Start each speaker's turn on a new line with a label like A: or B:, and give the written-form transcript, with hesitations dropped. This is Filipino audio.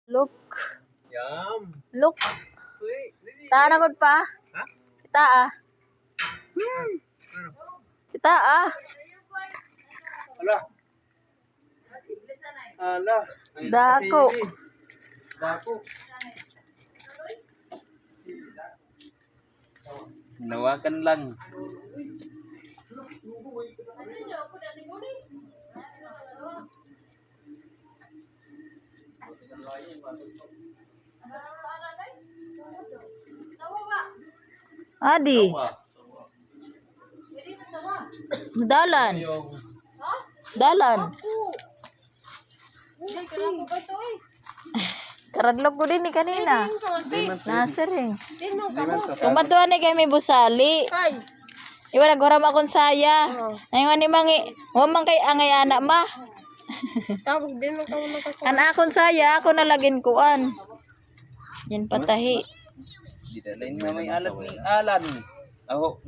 A: Look.
B: Yum.
A: Look. Taa na gud pa.
B: Ha?
A: Kita ah. Kita ah.
B: Ala. Ala.
A: Dako.
B: Dako.
C: Nawakan lang.
A: Adi. Dalan. Dalan. Karadlog ko din ni kanina. Nasiring. Kumatuan ni kami busali. Iwa nagwaram akong saya. Ngayon ni mangi, wamang kay angay anak ma.
D: Tapos din mo ka muna ka.
A: Kan akong saya, ako nalagin kuan. Yan patahi.
C: Di na may alam ni Alan. Ako